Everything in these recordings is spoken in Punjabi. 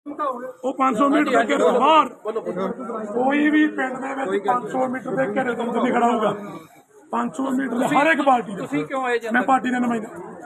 ਉਹ 500 ਮੀਟਰ ਦੇ ਘੇਰੇ ਤੋਂ ਬਾਹਰ ਕੋਈ ਵੀ ਪਿੰਡ ਦੇ ਵਿੱਚ 500 ਮੀਟਰ ਦੇ ਘੇਰੇ ਤੋਂ ਨਹੀਂ ਖੜਾ ਹੋਊਗਾ। 500 ਮੀਟਰ ਦੇ ਹਰ ਇੱਕ ਪਾਰਟੀ ਦੇ। ਤੁਸੀਂ ਕਿਉਂ ਆਏ ਜੀ? ਮੈਂ ਪਾਰਟੀ ਦਾ ਨੁਮਾਇੰਦਾ।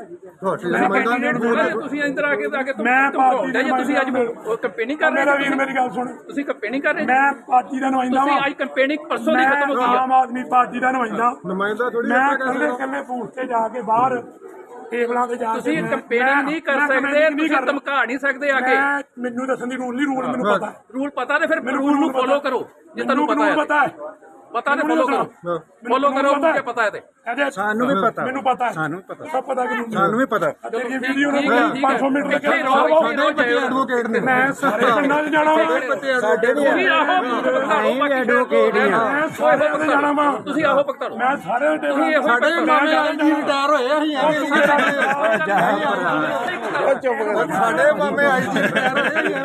ਤੁਸੀਂ ਇੰਦਰ ਆ ਕੇ ਮੈਂ ਪਾਰਟੀ ਦਾ ਤੁਸੀਂ ਅੱਜ ਕੰਪੇਨਿੰਗ ਕਰ ਰਹੇ ਮੇਰਾ ਵੀਰ ਮੇਰੀ ਗੱਲ ਸੁਣ। ਤੁਸੀਂ ਕੰਪੇਨਿੰਗ ਕਰ ਰਹੇ ਮੈਂ ਪਾਰਟੀ ਦਾ ਨੁਮਾਇੰਦਾ ਤੁਸੀਂ ਅੱਜ ਕੰਪੇਨਿੰਗ ਪਰਸੋਂ ਦੀ ਖਤਮ ਹੋ ਗਈ ਆਮ ਆਦਮੀ ਪਾਰਟੀ ਦਾ ਨੁਮਾਇੰਦਾ ਥੋੜੀ। ਮੈਂ ਕੱਲੇ ਬੂਥ ਤੇ ਜਾ ਕੇ ਬਾਹਰ ਟੇਬਲਾਂ ਤੇ ਜਾ ਕੇ ਤੁਸੀਂ ਕੰਪੇਨਿੰਗ ਨਹੀਂ ਕਰ ਸਕਦੇ, ਤੁਸੀਂ ਧਮਕਾ ਨਹੀਂ ਸਕਦੇ ਆ ਕੇ। ਮੈਨੂੰ ਦੱਸਣ ਦੀ ਰੂਲ ਨਹੀਂ, ਰੂਲ ਮੈਨੂੰ ਪਤਾ ਹੈ। ਰੂਲ ਪਤਾ ਤੇ ਫਿਰ ਰੂਲ ਨੂੰ ਫੋਲੋ ਕਰੋ ਜੇ ਤੁਹਾਨੂੰ ਪਤਾ ਹੈ। ਪਤਾ ਤੇ ਫੋਲੋ ਕਰੋ, ਫੋਲੋ ਕਰੋ ਮੁझे ਪਤਾ ਹੈ ਤੇ ਸਾਨੂੰ ਵੀ ਪਤਾ, ਮੈਨੂੰ ਪਤਾ ਹੈ, ਸਾਨੂੰ ਪਤਾ, ਸਭ ਪਤਾ ਕਿ ਸਾਨੂੰ ਵੀ ਪਤਾ। ਤੇਰੀ ਵੀਡੀਓ ਨੂੰ 500 ਮੀਟਰ ਦੇ ਘੇਰੇ ਐਡਵੋਕੇਟ ਨੇ। ਮੈਂ ਸਾਰੇ ਪਿੰਡਾਂ 'ਚ ਜਾਣਾ ਵਾ। ਸਾਡੇ ਵੀ ਐਡਵੋਕੇਟ ਹੀ ਆ। ਮੈਂ ਸਾਰੇ ਪਿੰਡ ਜਾਣਾ ਵਾ। ਤੁਸੀਂ ਆਹੋ ਪਕਤਾ ਲਓ। ਮੈਂ ਸਾਰੇ ਟੇਬਲ ਸਾਡੇ ਮਾਮੇ ਆਈ ਜੀ ਰਿਟਾਇਰ ਹੋਏ ਅਸੀਂ ਚੁੱਪ ਕਰ। ਸਾਡੇ ਮਾਮੇ ਆਈ ਜੀ ਰਿਟਾਇਰ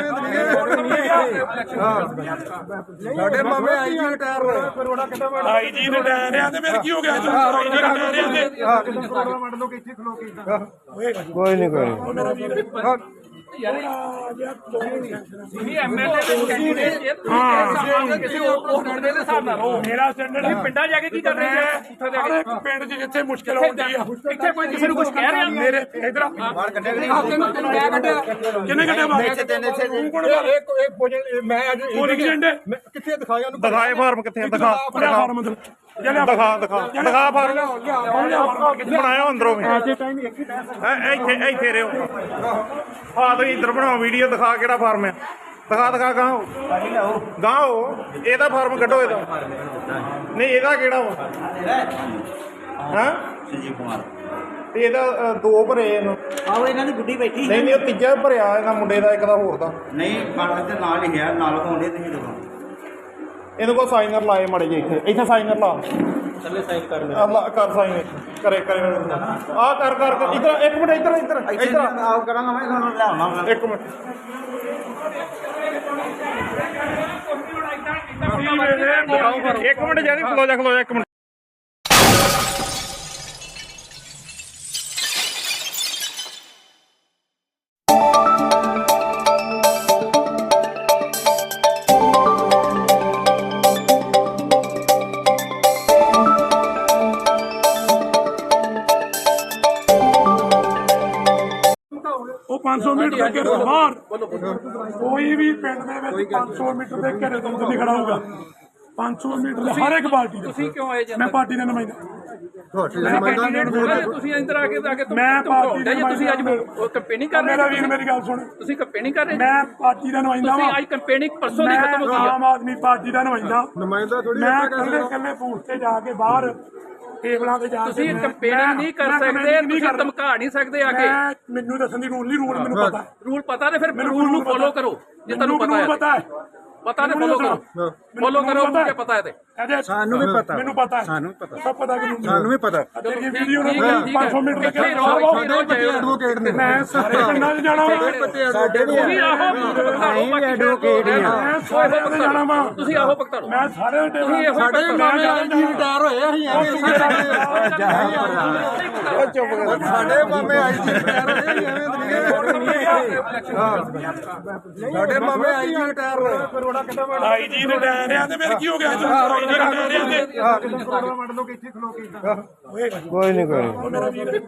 ਹੋਏ ਸਾਡੇ ਮਾਮੇ ਆਈ ਜੀ ਰਿਟਾਇਰ ਹੋਏ। ਆਈ ਜੀ ਰਿਟਾਇਰ ਆ ਤੇ ਫਿਰ ਕੀ ਹੋ ਗਿਆ? ਕੋਈ ਨਹੀਂ ਮੇਰਾ ਵੀਰ ਮੇਰਾ ਸਟੈਂਡਰਡ ਪਿੰਡਾਂ ਜਾ ਕੇ ਕੀ ਕਰ ਰਹੇ ਜੀ? ਪਿੰਡ 'ਚ ਜਿੱਥੇ ਮੁਸ਼ਕਿਲ ਹੁੰਦੀ ਆ ਇੱਥੇ ਕੋਈ ਕਿਸੇ ਨੂੰ ਕੁਝ ਕਹਿ ਰਿਹਾ? ਮੇਰੇ ਇਧਰ ਕਿੰਨੇ ਘੰਟੇ ਮੈਂ ਅੱਜ ਕਿੱਥੇ ਦਿਖਾਇਆ ਉਹਨੂੰ? ਦਿਖਾਏ ਫਾਰਮ ਕਿੱਥੇ ਦਿਖਾ ਫਾਰਮ ਦਿਖਾ ਫਾਰਮ ਬਣਾਇਆ ਅੰਦਰੋਂ ਵੀ ਇੱਥੇ ਰਿਓ। ਹਾਂ ਤੁਸੀਂ ਇੱਧਰ ਬਣਾਓ ਵੀਡੀਓ, ਦਿਖਾ ਕਿਹੜਾ ਫਾਰਮ ਹੈ। ਦਿਖਾ ਗਾਓ ਇਹਦਾ ਫਾਰਮ ਕੱਢੋ। ਇਹਦਾ ਨਹੀਂ, ਇਹਦਾ ਕਿਹੜਾ ਵਾ? ਹਾਂ ਸੰਜੀਵ ਕੁਮਾਰ ਤੇ ਇਹਦਾ ਦੋ ਭਰੇ ਇਹਨੂੰ। ਆਹੋ ਇਹਨਾਂ ਦੀ ਗੁੱਡੀ ਬੈਠੀ ਨਹੀਂ ਉਹ ਤੀਜਾ ਭਰਿਆ ਇਹਨਾਂ ਮੁੰਡੇ ਦਾ, ਇੱਕ ਦਾ ਹੋਰ ਦਾ। ਨਹੀਂ ਕਣਕ ਦੇ ਨਾਲ ਹੀ ਹੈ, ਨਾਲ ਹੋਣੇ ਤੁਸੀਂ ਦੇਖੋ। ਇਹਨੂੰ ਕੋ ਸਾਈਨਰ ਲਾਏ ਮੜੇ ਜੇ ਇੱਥੇ ਸਾਈਨਰ ਲਾ ਥੱਲੇ ਸਾਈਨ ਕਰ ਕਰ ਸਾਈਨ ਕਰੇ ਆ ਕਰ ਇੱਧਰ ਇੱਕ ਮਿੰਟ ਇੱਧਰ ਆਪ ਕਰਾਂਗਾ ਮੈਂ ਤੁਹਾਨੂੰ ਲਿਆਉਣਾ। ਇੱਕ ਮਿੰਟ ਜਾਨੀ ਖਲੋ ਜਾ ਇੱਕ ਮਿੰਟ। ਉਹ 500 ਮੀਟਰ ਦੇ ਘੇਰੇ ਤੋਂ ਬਾਹਰ ਕੋਈ ਵੀ ਪਿੰਡ ਦੇ ਵਿੱਚ 500 ਮੀਟਰ ਦੇ ਘੇਰੇ ਤੋਂ ਨਹੀਂ ਖੜਾ ਹੋਊਗਾ। 500 ਮੀਟਰ ਦੇ ਹਰ ਇੱਕ ਪਾਰਟੀ ਦੇ। ਤੁਸੀਂ ਕਿਉਂ ਆਏ ਜੀ? ਮੈਂ ਪਾਰਟੀ ਦਾ ਨੁਮਾਇੰਦਾ। ਤੁਸੀਂ ਇੰਦਰ ਆ ਕੇ ਮੈਂ ਪਾਰਟੀ ਦਾ ਤੁਸੀਂ ਅੱਜ ਕੰਪੇਨਿੰਗ ਕਰ ਰਹੇ ਮੇਰਾ ਵੀਰ ਮੇਰੀ ਗੱਲ ਸੁਣ। ਤੁਸੀਂ ਕੰਪੇਨਿੰਗ ਕਰ ਰਹੇ ਮੈਂ ਪਾਰਟੀ ਦਾ ਨੁਮਾਇੰਦਾ ਤੁਸੀਂ ਅੱਜ ਕੰਪੇਨਿੰਗ ਪਰਸੋਂ ਦੀ ਖਤਮ ਹੋ ਗਈ ਆਮ ਆਦਮੀ ਪਾਰਟੀ ਦਾ ਨੁਮਾਇੰਦਾ ਥੋੜੀ। ਮੈਂ ਕੱਲੇ ਬੂਥ ਤੇ ਜਾ ਕੇ ਬਾਹਰ ਟੇਬਲਾਂ ਤੇ ਜਾ ਕੇ ਤੁਸੀਂ ਕੰਪੇਨਿੰਗ ਨਹੀਂ ਕਰ ਸਕਦੇ, ਤੁਸੀਂ ਧਮਕਾ ਨਹੀਂ ਸਕਦੇ ਆ ਕੇ। ਮੈਨੂੰ ਦੱਸਣ ਦੀ ਰੂਲ ਨਹੀਂ, ਰੂਲ ਮੈਨੂੰ ਪਤਾ ਹੈ। ਰੂਲ ਪਤਾ ਤੇ ਫਿਰ ਰੂਲ ਨੂੰ ਫੋਲੋ ਕਰੋ ਜੇ ਤੁਹਾਨੂੰ ਪਤਾ ਹੈ। ਪਤਾ ਤੇ ਫੋਲੋ ਕਰੋ, ਫੋਲੋ ਕਰੋ ਮੁझे ਪਤਾ ਹੈ ਤੇ ਸਾਨੂੰ ਵੀ ਪਤਾ, ਮੈਨੂੰ ਪਤਾ ਹੈ, ਸਾਨੂੰ ਪਤਾ, ਸਭ ਪਤਾ ਕਿ ਸਾਨੂੰ ਵੀ ਪਤਾ। ਤੇਰੀ ਵੀਡੀਓ ਨੂੰ 500 ਮੀਟਰ ਦੇ ਘੇਰੇ ਐਡਵੋਕੇਟ ਨੇ। ਮੈਂ ਸਾਰੇ ਪਿੰਡਾਂ 'ਚ ਜਾਣਾ ਵਾ। ਸਾਡੇ ਵੀ ਐਡਵੋਕੇਟ ਹੀ ਆ। ਮੈਂ ਸਾਰੇ ਪਿੰਡ ਜਾਣਾ ਵਾ। ਤੁਸੀਂ ਆਹੋ ਪਕਤਾ ਲਓ। ਮੈਂ ਸਾਰੇ ਟੇਬਲ ਸਾਡੇ ਮਾਮੇ ਆਈ ਜੀ ਰਿਟਾਇਰ ਹੋਏ ਅਸੀਂ ਚੁੱਪ ਕਰ। ਸਾਡੇ ਮਾਮੇ ਆਈ ਜੀ ਰਿਟਾਇਰ ਹੋਏ ਸਾਡੇ ਮਾਮੇ ਆਈ ਜੀ ਰਿਟਾਇਰ ਹੋਏ। ਆਈ ਜੀ ਰਿਟਾਇਰ ਆ ਤੇ ਫਿਰ ਕੀ ਹੋ ਗਿਆ? ਕੋਈ ਨਹੀਂ ਮੇਰਾ ਵੀਰ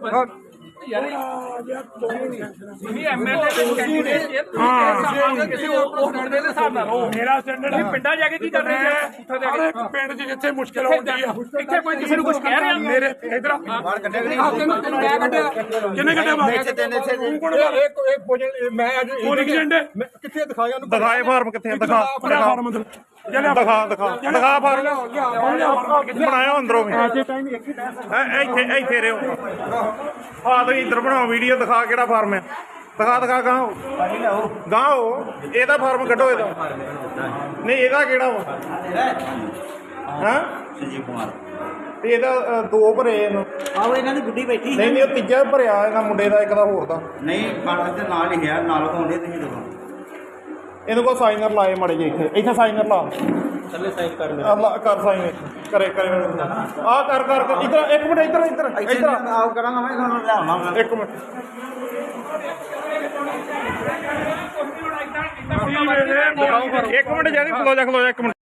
ਮੇਰਾ ਸਟੈਂਡਰਡ ਪਿੰਡਾਂ ਜਾ ਕੇ ਕੀ ਕਰ ਰਹੇ ਜੀ? ਪਿੰਡ 'ਚ ਜਿੱਥੇ ਮੁਸ਼ਕਿਲ ਹੁੰਦੀ ਆ ਇੱਥੇ ਕੋਈ ਕਿਸੇ ਨੂੰ ਕੁਝ ਕਹਿ ਰਿਹਾ? ਮੇਰੇ ਇਧਰ ਕਿੰਨੇ ਘੰਟੇ ਮੈਂ ਅੱਜ ਕਿੱਥੇ ਦਿਖਾਇਆ ਉਹਨੂੰ? ਦਿਖਾਏ ਫਾਰਮ ਕਿੱਥੇ ਫਾਰਮ ਦਿਖਾ ਫਾਰਮ ਬਣਾਇਆ ਅੰਦਰੋਂ ਵੀ ਇੱਥੇ ਰਿਓ। ਹਾਂ ਤੁਸੀਂ ਇੱਧਰ ਬਣਾਓ ਵੀਡੀਓ, ਦਿਖਾ ਕਿਹੜਾ ਫਾਰਮ ਹੈ। ਦਿਖਾ ਗਾਓ ਇਹਦਾ ਫਾਰਮ ਕੱਢੋ। ਇਹਦਾ ਨਹੀਂ, ਇਹਦਾ ਕਿਹੜਾ ਵਾ? ਹਾਂ ਸੰਜੀਵ ਕੁਮਾਰ ਤੇ ਇਹਦਾ ਦੋ ਭਰੇ ਇਹਨੂੰ। ਆਹੋ ਇਹਨਾਂ ਦੀ ਗੁੱਡੀ ਬੈਠੀ ਨਹੀਂ ਉਹ ਤੀਜਾ ਭਰਿਆ ਇਹਨਾਂ ਮੁੰਡੇ ਦਾ, ਇੱਕ ਦਾ ਹੋਰ ਦਾ। ਨਹੀਂ ਕਣਕ ਦੇ ਨਾਲ ਹੀ ਹੈ, ਨਾਲ ਹੋਣੇ ਤੁਸੀਂ ਦੇਖੋ। ਇਹਨੂੰ ਕੋ ਸਾਈਨਰ ਲਾਏ ਮੜੇ ਜੇ ਇੱਥੇ ਸਾਈਨਰ ਲਾ ਥੱਲੇ ਸਾਈਨ ਕਰ ਸਾਈਨ ਕਰੇ ਆ ਕਰ ਇੱਧਰ ਇੱਕ ਮਿੰਟ ਇੱਧਰ ਆਪ ਕਰਾਂਗਾ ਮੈਂ ਤੁਹਾਨੂੰ ਲਿਆਉਣਾ। ਇੱਕ ਮਿੰਟ ਮੇਰੇ ਇੱਕ ਮਿੰਟ ਜੈਦੀ ਖਲੋ ਜਾ ਇੱਕ ਮਿੰਟ